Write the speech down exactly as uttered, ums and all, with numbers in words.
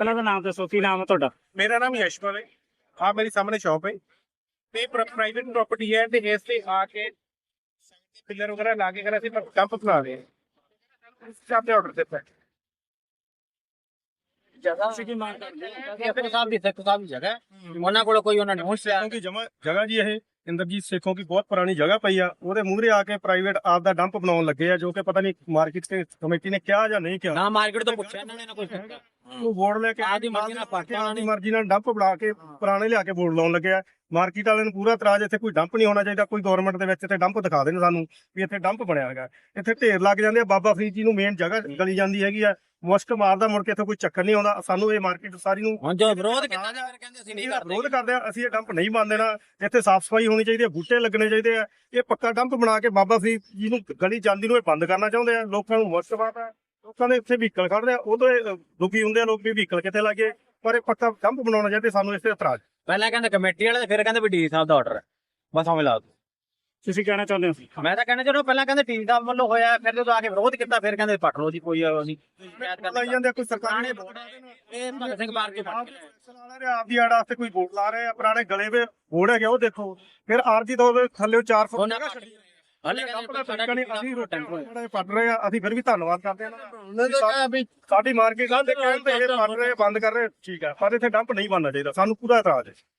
ਪਹਿਲਾਂ ਤਾਂ ਨਾਮ ਦੱਸੋ, ਕੀ ਨਾਮ ਹੈ ਤੁਹਾਡਾ? ਮੇਰਾ ਨਾਮ ਯਸ਼ਪਾਲ ਹੈ। ਆ ਮੇਰੀ ਸਾਹਮਣੇ ਸ਼ਾਪ ਹੈ ਤੇ ਪ੍ਰਾਈਵੇਟ ਪ੍ਰਾਪਰਟੀ ਹੈ ਤੇ ਇਸ ਤੇ ਆ ਕੇ ਪਿਲਰ ਵਗੈਰਾ ਲਾ ਕੇ ਕਰ ਅਸੀਂ ਕੰਪ ਬਣਾ ਰਹੇ ਹਾਂ। ਇਸ ਤੇ ਆਰਡਰ ਦਿੱਤਾ ਹੈ। ਜਗ੍ਹਾ ਸੀ ਕੀ ਮੰਗ ਕਰਦੇ ਹੋ? ਸਿੱਖ ਸਾਹਿਬ ਦੀ ਸਿੱਖ ਸਾਹਿਬ ਦੀ ਜਗ੍ਹਾ ਹੈ। ਉਹਨਾਂ ਕੋਲ ਕੋਈ ਉਹਨਾਂ ਨੇ ਹੁਣ ਸੇਖੋਂ की जमा जगह जी ਇਹ ਇੰਦਰਜੀਤ ਸੇਖੋਂ की ਬਹੁਤ ਪੁਰਾਣੀ ਜਗ੍ਹਾ ਪਈ ਆ, ਉਹਦੇ ਮੂਹਰੇ ਆ ਕੇ ਪ੍ਰਾਈਵੇਟ ਆਪ ਦਾ ਡੰਪ ਬਣਾਉਣ ਲੱਗੇ ਆ, ਜੋ ਕਿ ਪਤਾ ਨਹੀਂ ਮਾਰਕੀਟ ਤੇ ਕਮੇਟੀ ਨੇ ਕਿਹਾ ਜਾਂ ਨਹੀਂ ਕਿਹਾ। ਨਾ ਮਾਰਕੀਟ ਤੋਂ ਪੁੱਛਿਆ ਇਹਨਾਂ ਨੇ ਨਾ ਕੁਝ ਕੀਤਾ। ਉਹ ਬੋਰਡ ਲੈ ਕੇ ਆਪਦੀ ਮਰਜ਼ੀ ਨਾਲ ਪੱਟ ਕੇ ਆਪਦੀ ਮਰਜ਼ੀ ਨਾਲ ਡੰਪ ਬਣਾ ਕੇ ਪੁਰਾਣੇ ਲਿਆ ਕੇ ਬੋਰਡ ਲਾਉਣ ਲੱਗੇ ਆ। ਮਾਰਕੀਟ ਵਾਲਿਆਂ ਨੂੰ ਪੂਰਾ ਇਤਰਾਜ਼, ਇੱਥੇ ਕੋਈ ਡੰਪ ਨਹੀਂ ਹੋਣਾ ਚਾਹੀਦਾ, ਕੋਈ ਗਵਰਨਮੈਂਟ ਦੇ ਵਿੱਚ ਇੱਥੇ ਡੰਪ ਦਿਖਾ ਦੇਣ ਸਾਨੂੰ ਵੀ ਇੱਥੇ ਡੰਪ ਬਣਿਆ ਹੈਗਾ। ਇੱਥੇ ਢੇਰ ਲੱਗ ਜਾਂਦੇ ਆ, ਬਾਬਾ ਫਰੀਦ ਜੀ ਨੂੰ ਮੇਨ ਜਗ੍ਹਾ ਗਲੀ ਜਾਂਦੀ ਹੈਗੀ ਆ, ਮੁਸ਼ਕ ਮਾਰਦਾ, ਮੁੜ ਕੇ ਇੱਥੇ ਕੋਈ ਚੱਕਰ ਨਹੀਂ ਆਉਂਦਾ। ਸਾਨੂੰ ਇਹ ਮਾਰਕੀਟ ਸਾਰੀ ਨੂੰ ਹੁਣ ਜੋ ਵਿਰੋਧ ਕੀਤਾ ਜਾ ਫਿਰ ਕਹਿੰਦੇ ਅਸੀਂ ਨਹੀਂ ਕਰਦੇ। ਵਿਰੋਧ ਕਰਦੇ ਆ, ਅਸੀਂ ਇਹ ਡੰਪ ਨਹੀਂ ਮੰਨ ਦੇਣਾ। ਇੱਥੇ ਸਾਫ਼ ਸਫਾਈ ਹੋਣੀ ਚਾਹੀਦੀ ਹੈ, ਬੂਟੇ ਲੱਗਣੇ ਚਾਹੀਦੇ ਆ। ਇਹ ਪੱਕਾ ਡੰਪ ਬਣਾ ਕੇ ਬਾਬਾ ਫਰੀਦ ਜੀ ਨੂੰ ਗਲੀ ਜਾਂਦੀ ਨੂੰ ਇਹ ਬੰਦ ਕਰਨਾ ਚਾਹੁੰਦੇ ਆ। ਲੋਕਾਂ ਨੂੰ ਮੁਸ਼ਕ ਮਾਰਦਾ, ਲੋਕਾਂ ਦੇ ਇੱਥੇ ਵਹੀਕਲ ਖੜਦੇ ਆ, ਉਦੋਂ ਇਹ ਦੁਖੀ ਹੁੰਦੇ ਆ ਲੋਕ ਵੀ ਵਹੀਕਲ ਕਿੱਥੇ ਲੱਗੇ। ਪਰ ਇਹ ਪੱਕਾ ਡੰਪ ਬਣਾਉਣਾ ਚਾਹੀਦਾ, ਸਾਨੂੰ ਇਸ ਤੇ ਇਤਰਾਜ਼। ਪਹਿਲਾਂ ਕਹਿੰਦੇ ਕਮੇਟੀ ਵਾਲੇ, ਫਿਰ ਕਹਿੰਦੇ ਵੀ ਡੀ ਸਾਹਿਬ ਦਾ ਆਰਡਰ ਹੈ। ਬਸ ਹਮੇ ਲਾ ਦੋ। ਤੁਸੀਂ ਕਹਿਣਾ ਚਾਹੁੰਦੇ ਹੋ? ਮੈਂ ਤਾਂ ਕਹਿੰਦਾ ਜਦੋਂ ਪਹਿਲਾਂ ਕਹਿੰਦੇ ਟੀ ਸਾਹਿਬ ਵੱਲੋਂ ਹੋਇਆ, ਫਿਰ ਜਦੋਂ ਆ ਕੇ ਵਿਰੋਧ ਕੀਤਾ, ਫਿਰ ਕਹਿੰਦੇ ਪੱਟ ਲਓ ਜੀ, ਕੋਈ ਨਹੀਂ ਲਾਈ ਜਾਂਦੇ ਆ, ਕੋਈ ਸਰਕਾਰੀ ਬੋਰਡ ਇਹ ਭਗਤ ਸਿੰਘ ਪਾਰਕ ਦੇ ਆਪ ਦੀ ਆੜ ਵਾਸਤੇ ਕੋਈ ਬੋਰਡ ਲਾ ਰਹੇ ਆ, ਪੁਰਾਣੇ ਗਲੇ ਵੇ ਬੋਰਡ ਹੈਗੇ ਉਹ ਦੇਖੋ। ਫਿਰ ਆਰਜੀ ਤੋਂ ਥੱਲੇ ਚਾਰ ਫੁੱਟ ਜਗ੍ਹਾ ਛੱਡੀ ਹਲੇ ਅਸੀਂ ਰੋਟਾਂ ਪੱਟ ਰਹੇ ਆ। ਅਸੀਂ ਫਿਰ ਵੀ ਧੰਨਵਾਦ ਕਰਦੇ ਆ ਉਹਨਾਂ ਨੇ ਕਿਹਾ ਵੀ ਸਾਡੀ ਮਾਰਕੀਟ ਦੇ ਕਹਿਣ ਤੇ ਇਹ ਪੱਟ ਰਹੇ ਬੰਦ ਕਰ ਰਹੇ, ਠੀਕ ਆ, ਪਰ ਇੱਥੇ ਡੰਪ ਨਹੀਂ ਬਣਨਾ ਚਾਹੀਦਾ। ਸਾਨੂੰ ਪੂਰਾ ਇਤਰਾਜ਼ ਹੈ।